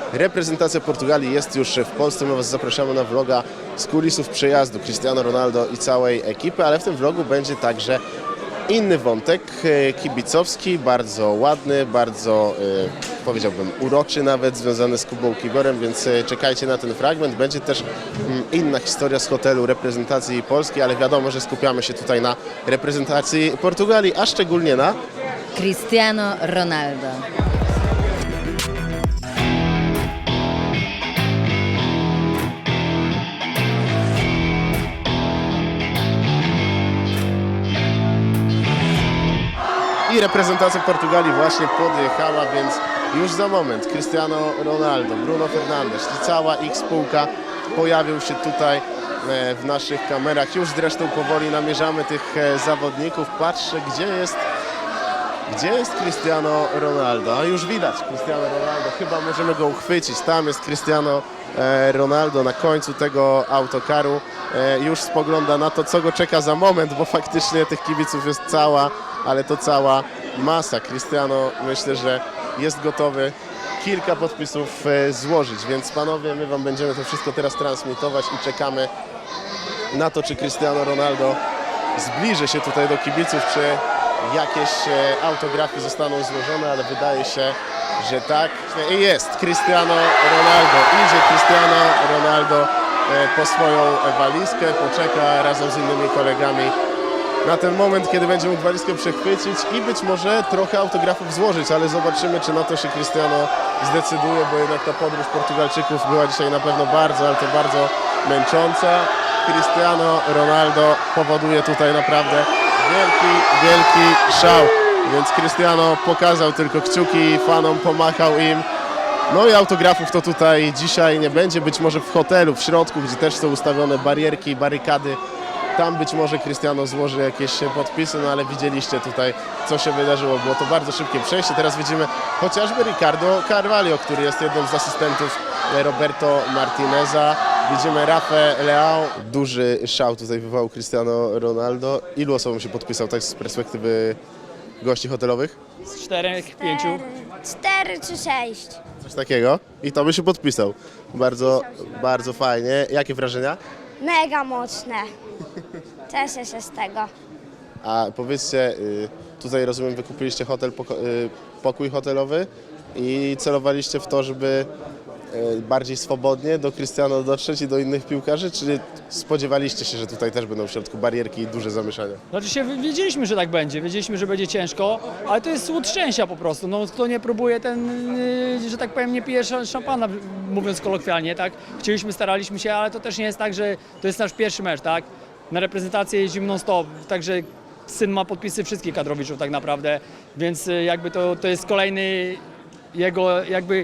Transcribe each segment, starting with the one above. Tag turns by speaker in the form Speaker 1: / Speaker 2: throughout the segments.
Speaker 1: Reprezentacja Portugalii jest już w Polsce. My Was zapraszamy na vloga z kulisów przyjazdu Cristiano Ronaldo i całej ekipy, ale w tym vlogu będzie także inny wątek kibicowski, bardzo ładny, bardzo powiedziałbym uroczy nawet, związany z Kubą Kiwiorem, więc czekajcie na ten fragment. Będzie też inna historia z hotelu reprezentacji Polski, ale wiadomo, że skupiamy się tutaj na reprezentacji Portugalii, a szczególnie na
Speaker 2: Cristiano Ronaldo.
Speaker 1: I reprezentacja Portugalii właśnie podjechała, więc już za moment Cristiano Ronaldo, Bruno Fernandes i cała ich spółka pojawią się tutaj w naszych kamerach. Już zresztą powoli namierzamy tych zawodników. Patrzę, gdzie jest Cristiano Ronaldo. A już widać Cristiano Ronaldo, chyba możemy go uchwycić. Tam jest Cristiano Ronaldo na końcu tego autokaru. Już spogląda na to, co go czeka za moment, bo faktycznie tych kibiców jest cała masa. Cristiano, myślę, że jest gotowy kilka podpisów złożyć, więc panowie, my Wam będziemy to wszystko teraz transmitować i czekamy na to, czy Cristiano Ronaldo zbliży się tutaj do kibiców, czy jakieś autografy zostaną złożone, ale wydaje się, że tak. I jest Cristiano Ronaldo. Idzie Cristiano Ronaldo po swoją walizkę, poczeka razem z innymi kolegami na ten moment, kiedy będzie mógł walizkę przechwycić i być może trochę autografów złożyć, ale zobaczymy, czy na to się Cristiano zdecyduje, bo jednak ta podróż Portugalczyków była dzisiaj na pewno bardzo, ale to bardzo męcząca. Cristiano Ronaldo powoduje tutaj naprawdę wielki szał, więc Cristiano pokazał tylko kciuki, fanom pomachał im. No i autografów to tutaj dzisiaj nie będzie, być może w hotelu, w środku, gdzie też są ustawione barierki, barykady. Tam być może Cristiano złoży jakieś podpisy, no ale widzieliście tutaj, co się wydarzyło. Było to bardzo szybkie przejście. Teraz widzimy chociażby Ricardo Carvalho, który jest jednym z asystentów Roberto Martineza. Widzimy Rafę Leão. Duży szał tutaj wywołał Cristiano Ronaldo. Ilu osobom się podpisał, tak z perspektywy gości hotelowych?
Speaker 3: Z 4, 5.
Speaker 4: 4 czy 6.
Speaker 1: Coś takiego. I to by się podpisał. Bardzo fajnie. Jakie wrażenia?
Speaker 4: Mega mocne. Cieszę się z tego.
Speaker 1: A powiedzcie, tutaj rozumiem, wykupiliście pokój hotelowy i celowaliście w to, żeby bardziej swobodnie do Cristiano dotrzeć i do innych piłkarzy, czy spodziewaliście się, że tutaj też będą w środku barierki i duże zamieszania?
Speaker 3: Znaczy wiedzieliśmy, że tak będzie, wiedzieliśmy, że będzie ciężko, ale to jest słód szczęścia po prostu. No, kto nie próbuje, że tak powiem, nie pije szampana, mówiąc kolokwialnie, tak? Staraliśmy się, ale to też nie jest tak, że to jest nasz pierwszy mecz, tak? Na reprezentację jeździmy non-stop, także syn ma podpisy wszystkich kadrowiczów tak naprawdę, więc jakby to jest kolejny jego jakby...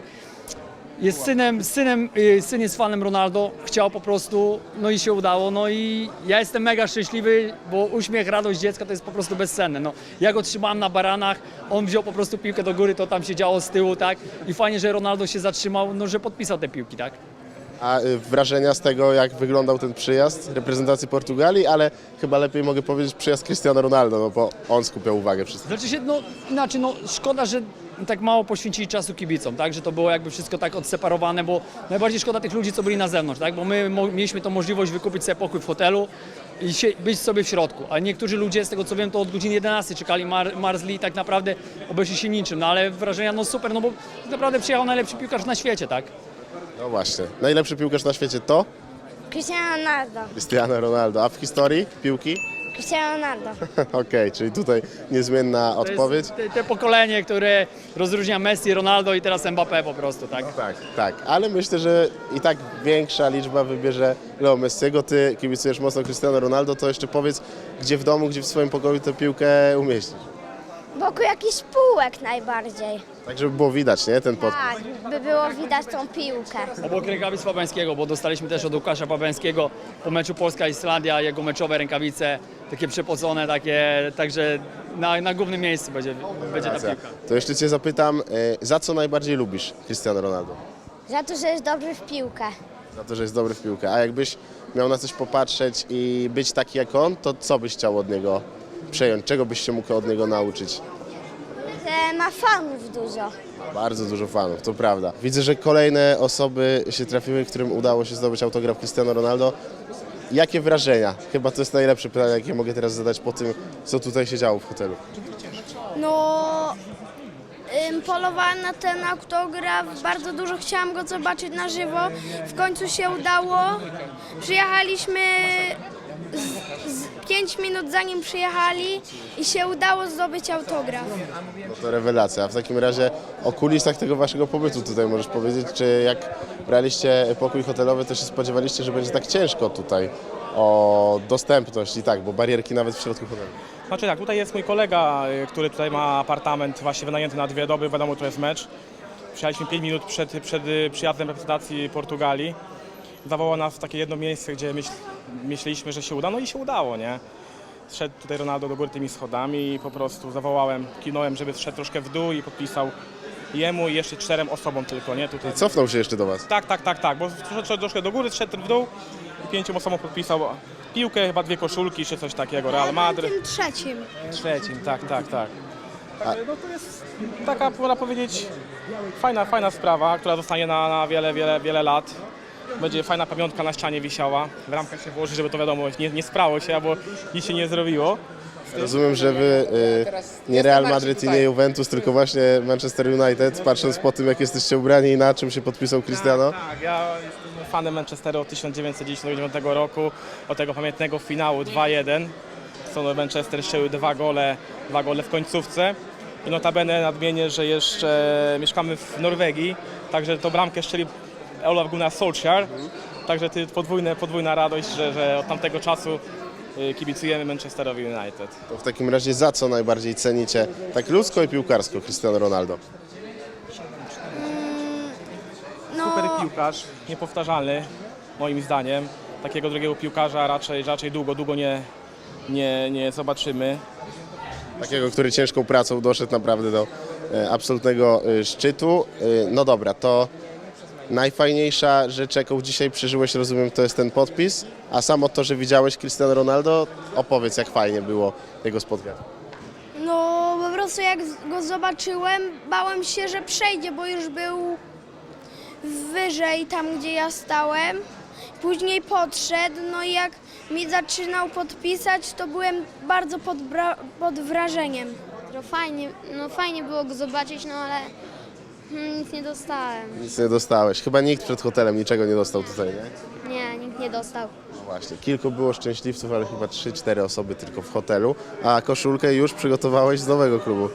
Speaker 3: Syn jest fanem Ronaldo, chciał po prostu, no i się udało, no i ja jestem mega szczęśliwy, bo uśmiech, radość dziecka to jest po prostu bezcenne, no. Ja go trzymałem na baranach, on wziął po prostu piłkę do góry, to tam się działo z tyłu, tak, i fajnie, że Ronaldo się zatrzymał, no, że podpisał te piłki, tak.
Speaker 1: A wrażenia z tego, jak wyglądał ten przyjazd reprezentacji Portugalii, ale chyba lepiej mogę powiedzieć przyjazd Cristiano Ronaldo, no bo on skupiał uwagę wszystkich.
Speaker 3: Znaczy się, szkoda, że tak mało poświęcili czasu kibicom, tak, że to było jakby wszystko tak odseparowane, bo najbardziej szkoda tych ludzi, co byli na zewnątrz, tak, bo my mieliśmy tą możliwość wykupić sobie pokój w hotelu i być sobie w środku, a niektórzy ludzie, z tego co wiem, to od godziny 11 czekali, marzli i tak naprawdę obeszli się niczym, no ale wrażenia, no super, no bo tak naprawdę przyjechał najlepszy piłkarz na świecie, tak.
Speaker 1: No właśnie, najlepszy piłkarz na świecie to
Speaker 4: Cristiano Ronaldo.
Speaker 1: Cristiano Ronaldo, a w historii piłki?
Speaker 4: Cristiano Ronaldo.
Speaker 1: Okej, czyli tutaj niezmienna odpowiedź.
Speaker 3: To jest te pokolenie, które rozróżnia Messi, Ronaldo i teraz Mbappé po prostu, tak.
Speaker 1: Tak, ale myślę, że i tak większa liczba wybierze Leo Messiego. Ty kibicujesz mocno Cristiano Ronaldo, to jeszcze powiedz, gdzie w domu, gdzie w swoim pokoju tę piłkę umieścisz.
Speaker 4: Wokół jakichś półek najbardziej.
Speaker 1: Tak, żeby było widać, nie, ten podpis.
Speaker 4: Tak, by było widać tą piłkę.
Speaker 3: Obok rękawic Fabiańskiego, bo dostaliśmy też od Łukasza Fabiańskiego po meczu Polska-Islandia jego meczowe rękawice, takie przepocone, także na głównym miejscu będzie ta piłka.
Speaker 1: To jeszcze Cię zapytam, za co najbardziej lubisz Cristiano Ronaldo?
Speaker 4: Za to, że jest dobry w piłkę.
Speaker 1: Za to, że jest dobry w piłkę. A jakbyś miał na coś popatrzeć i być taki jak on, to co byś chciał od niego przejąć? Czego byś się mógł od niego nauczyć?
Speaker 4: Że ma fanów dużo.
Speaker 1: Bardzo dużo fanów, to prawda. Widzę, że kolejne osoby się trafiły, którym udało się zdobyć autograf Cristiano Ronaldo. Jakie wrażenia? Chyba to jest najlepsze pytanie, jakie mogę teraz zadać po tym, co tutaj się działo w hotelu.
Speaker 4: No, polowałem na ten autograf, bardzo dużo chciałam go zobaczyć na żywo. W końcu się udało. Przyjechaliśmy 5 minut zanim przyjechali i się udało zdobyć autograf.
Speaker 1: No to rewelacja. A w takim razie o kulisach tego waszego pobytu tutaj możesz powiedzieć, czy jak braliście pokój hotelowy, to się spodziewaliście, że będzie tak ciężko tutaj o dostępność i tak, bo barierki nawet w środku hotelu.
Speaker 5: Znaczy tak, tutaj jest mój kolega, który tutaj ma apartament właśnie wynajęty na 2 doby, wiadomo, to jest mecz. Przyjechaliśmy 5 minut przed przyjazdem reprezentacji Portugalii. Zawołał nas w takie jedno miejsce, gdzie myśleliśmy, że się uda, no i się udało, nie? Zszedł tutaj Ronaldo do góry tymi schodami i po prostu zawołałem, kinąłem, żeby zszedł troszkę w dół i podpisał jemu i jeszcze 4 osobom tylko, nie? Tutaj.
Speaker 1: Cofnął się jeszcze do was.
Speaker 5: Tak, bo zszedł troszkę do góry, zszedł w dół i 5 osobom podpisał piłkę, chyba 2 koszulki czy coś takiego, Real Madryt.
Speaker 4: Tym trzecim.
Speaker 5: Trzecim, tak. Także no to jest taka, można powiedzieć, fajna sprawa, która zostanie na wiele lat. Będzie fajna pamiątka na ścianie wisiała. W ramkach się włoży, żeby to wiadomo, nie sprało się, albo nic się nie zrobiło.
Speaker 1: Rozumiem, że wy nie Real Madryt i nie Juventus, tylko właśnie Manchester United, patrząc po tym, jak jesteście ubrani i na czym się podpisał Cristiano.
Speaker 5: Tak, ja jestem fanem Manchesteru od 1999 roku, od tego pamiętnego finału 2-1. Co Manchester strzelił 2 gole w końcówce. I notabene nadmienię, że jeszcze mieszkamy w Norwegii, także to bramkę strzelił Olaf Gunnar Solskjaer. Także to podwójna radość, że od tamtego czasu kibicujemy Manchesterowi United.
Speaker 1: To w takim razie za co najbardziej cenicie, tak ludzko i piłkarsko, Cristiano Ronaldo?
Speaker 5: Super piłkarz, niepowtarzalny moim zdaniem. Takiego drugiego piłkarza raczej długo nie zobaczymy.
Speaker 1: Takiego, który ciężką pracą doszedł naprawdę do absolutnego szczytu. No dobra, to najfajniejsza rzecz, jaką dzisiaj przeżyłeś, rozumiem, to jest ten podpis, a samo to, że widziałeś Cristiano Ronaldo, opowiedz, jak fajnie było jego spotkanie.
Speaker 4: No, po prostu jak go zobaczyłem, bałem się, że przejdzie, bo już był wyżej tam, gdzie ja stałem. Później podszedł, no i jak mi zaczynał podpisać, to byłem bardzo pod wrażeniem.
Speaker 6: Fajnie było go zobaczyć, no ale nic nie dostałem.
Speaker 1: Nic nie dostałeś. Chyba nikt przed hotelem niczego nie dostał tutaj, nie?
Speaker 6: Nie, nikt nie dostał.
Speaker 1: No właśnie, kilku było szczęśliwców, ale chyba 3-4 osoby tylko w hotelu, a koszulkę już przygotowałeś z nowego klubu.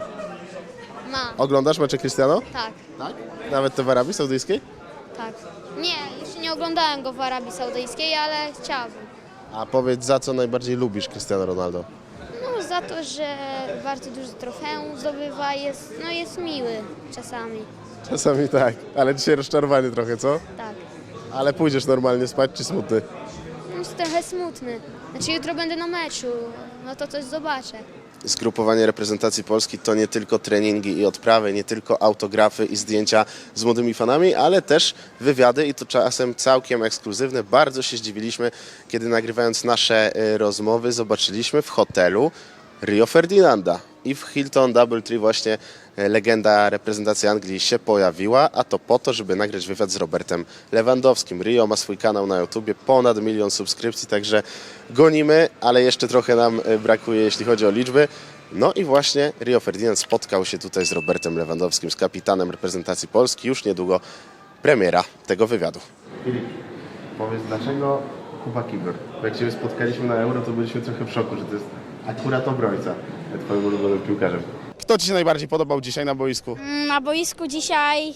Speaker 1: Oglądasz mecze Cristiano?
Speaker 6: Tak,
Speaker 1: Tak. Nawet te w Arabii Saudyjskiej?
Speaker 6: tak. Nie, jeszcze nie oglądałem go w Arabii Saudyjskiej, ale chciałabym.
Speaker 1: A powiedz, za co najbardziej lubisz Cristiano Ronaldo?
Speaker 6: No za to, że bardzo dużo trofeum zdobywa, jest miły czasami.
Speaker 1: Czasami tak, ale dzisiaj rozczarowany trochę, co?
Speaker 6: Tak.
Speaker 1: Ale pójdziesz normalnie spać, czy smutny?
Speaker 6: Jest trochę smutny. Znaczy jutro będę na meczu, no to coś zobaczę.
Speaker 1: Zgrupowanie reprezentacji Polski to nie tylko treningi i odprawy, nie tylko autografy i zdjęcia z młodymi fanami, ale też wywiady i to czasem całkiem ekskluzywne. Bardzo się zdziwiliśmy, kiedy nagrywając nasze rozmowy zobaczyliśmy w hotelu Rio Ferdinanda i w Hilton DoubleTree właśnie legenda reprezentacji Anglii się pojawiła, a to po to, żeby nagrać wywiad z Robertem Lewandowskim. Rio ma swój kanał na YouTubie, ponad 1 milion subskrypcji, także gonimy, ale jeszcze trochę nam brakuje, jeśli chodzi o liczby. No i właśnie Rio Ferdinand spotkał się tutaj z Robertem Lewandowskim, z kapitanem reprezentacji Polski. Już niedługo premiera tego wywiadu. Filip, powiedz, dlaczego Kuba Kibor? Jak Cię spotkaliśmy na Euro, to byliśmy trochę w szoku, że to jest akurat obrońca Twoim ulubionym piłkarzem. Kto Ci się najbardziej podobał dzisiaj na boisku?
Speaker 7: Na boisku dzisiaj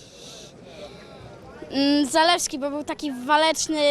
Speaker 7: Zalewski, bo był taki waleczny.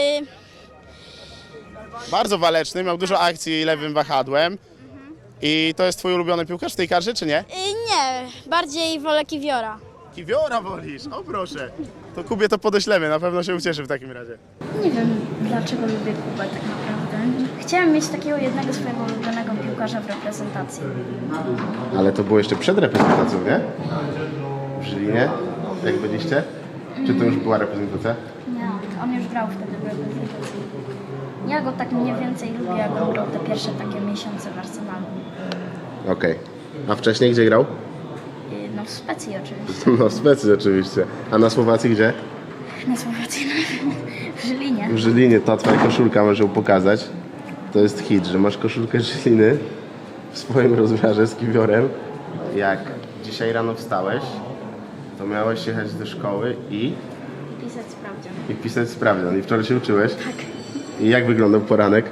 Speaker 1: Bardzo waleczny, miał dużo akcji lewym wahadłem. I to jest Twój ulubiony piłkarz w tej karze, czy nie?
Speaker 7: Nie, bardziej wolę Kiwiora.
Speaker 1: Kiwiora wolisz, o proszę. To Kubie to podeślemy, na pewno się ucieszy w takim razie.
Speaker 8: Nie wiem, dlaczego lubię Kubę tak naprawdę. Chciałem mieć takiego jednego swojego ulubionego piłkarza w reprezentacji.
Speaker 1: Ale to było jeszcze przed reprezentacją, nie? W Żylinie, jak byliście? Czy to już była reprezentacja?
Speaker 8: Nie, on już grał wtedy w reprezentacji. Ja go tak mniej więcej lubię, jak on grał te pierwsze takie miesiące w Arsenalu.
Speaker 1: Okej. A wcześniej gdzie grał?
Speaker 8: No w Szwecji oczywiście.
Speaker 1: No w Szwecji oczywiście. A na Słowacji gdzie?
Speaker 8: Na Słowacji, w Żylinie.
Speaker 1: W Żylinie. Ta twoja koszulka, możesz ją pokazać. To jest hit, że masz koszulkę Żyliny w swoim rozmiarze z kiwiorem. Jak dzisiaj rano wstałeś, to miałeś jechać do szkoły i
Speaker 8: Pisać sprawdzian.
Speaker 1: pisać sprawdzian. I wczoraj się uczyłeś? Tak. I jak wyglądał poranek?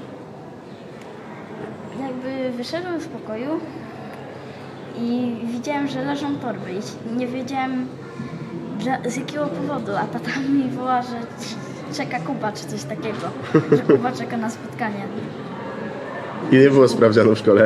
Speaker 8: Jakby wyszedłem z pokoju i widziałem, że leżą torby i nie wiedziałem z jakiego powodu, a tata mi woła, że czeka Kuba czy coś takiego, że Kuba czeka na spotkanie.
Speaker 1: I nie było sprawdzianu w szkole?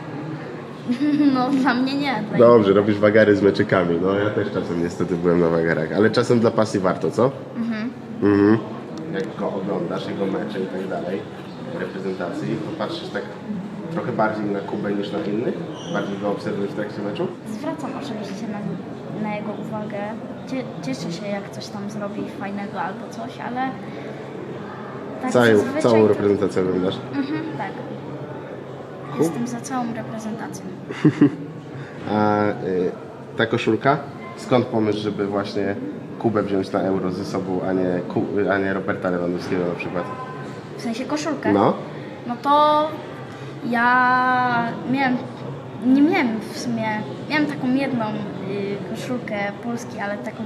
Speaker 8: No dla mnie nie. Dla
Speaker 1: Dobrze, robisz wagary z meczykami. No ja też czasem niestety byłem na wagarach, ale czasem dla pasji warto, co? Mhm. Jak go oglądasz, jego mecze i tak dalej, reprezentacji, to patrzysz tak trochę bardziej na Kubę niż na innych? Bardziej go obserwujesz w trakcie meczu?
Speaker 8: Zwracam oczywiście na jego uwagę. Cieszę się, jak coś tam zrobi fajnego albo coś, ale tak zazwyczaj
Speaker 1: Całą
Speaker 8: to-
Speaker 1: reprezentację oglądasz?
Speaker 8: tak. Jestem za całą reprezentacją.
Speaker 1: A ta koszulka? Skąd pomysł, żeby właśnie Kubę wziąć na Euro ze sobą, a nie Roberta Lewandowskiego na przykład?
Speaker 8: W sensie koszulkę.
Speaker 1: No.
Speaker 8: No to ja nie miałem w sumie, miałem taką jedną koszulkę Polski, ale taką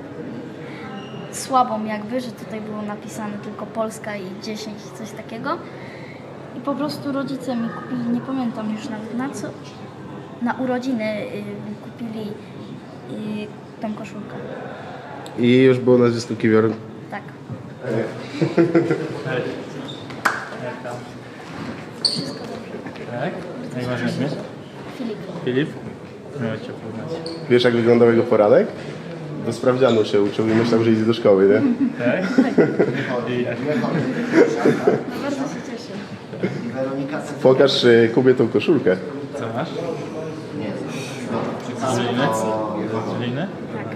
Speaker 8: słabą jakby, że tutaj było napisane tylko Polska i 10, coś takiego. I po prostu rodzice mi kupili, nie pamiętam już nawet na co, na urodziny mi kupili tą koszulkę.
Speaker 1: I już było nazwisko Kiwior.
Speaker 8: Tak.
Speaker 9: Tak? Jak masz na imię?
Speaker 8: Filip.
Speaker 9: Filip? Miło Cię poznać.
Speaker 1: Wiesz, jak wyglądał jego poranek? Do sprawdzianu się uczył i myślał, że idzie do szkoły, nie?
Speaker 9: Tak?
Speaker 8: Bardzo się cieszę.
Speaker 1: Pokaż Kubie tą koszulkę.
Speaker 9: Co masz? Z Żyliny? Z Żyliny?
Speaker 8: Tak.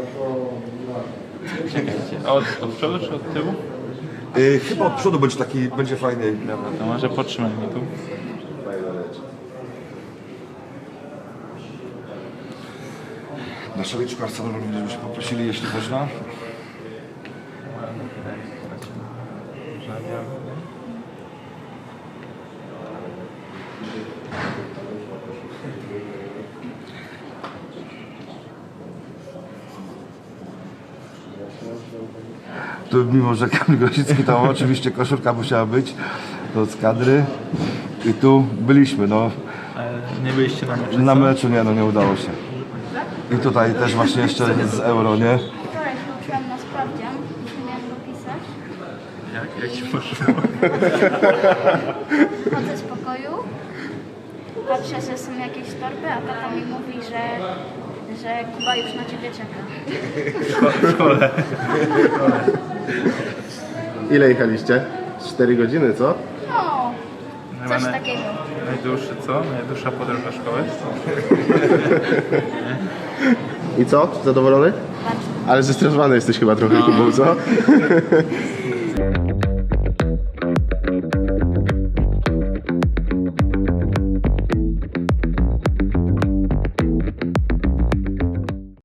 Speaker 9: Czekajcie. Od przodu czy od tyłu?
Speaker 10: Chyba od przodu będzie fajny.
Speaker 9: Dobra, to może potrzymaj mi tu.
Speaker 10: Na szaliczku Arsenalu również byśmy poprosili, jeśli można. Tu mimo, że Kamil Grosicki, to oczywiście koszulka musiała być, to z kadry. I tu byliśmy, no.
Speaker 9: Ale nie byliście na meczu,
Speaker 10: Na
Speaker 9: co?
Speaker 10: meczu nie udało się. I tutaj też właśnie jeszcze z Euro, nie?
Speaker 8: Wczoraj się uczyłam na sprawdzian, nie miałam go pisać.
Speaker 9: Jak Ci poszło?
Speaker 8: Chodzę z pokoju, patrzę, że są jakieś torby, a tata mi mówi, że Kuba już na ciebie czeka.
Speaker 9: W szkole.
Speaker 1: Ile jechaliście? 4 godziny, co?
Speaker 8: No, coś
Speaker 9: Chyba
Speaker 8: takiego.
Speaker 9: Najdłuższy co? Najdłuższa podróż do szkoły?
Speaker 1: I co? Zadowolony?
Speaker 8: Bardzo.
Speaker 1: Ale zestresowany jesteś chyba trochę, Kubą, co?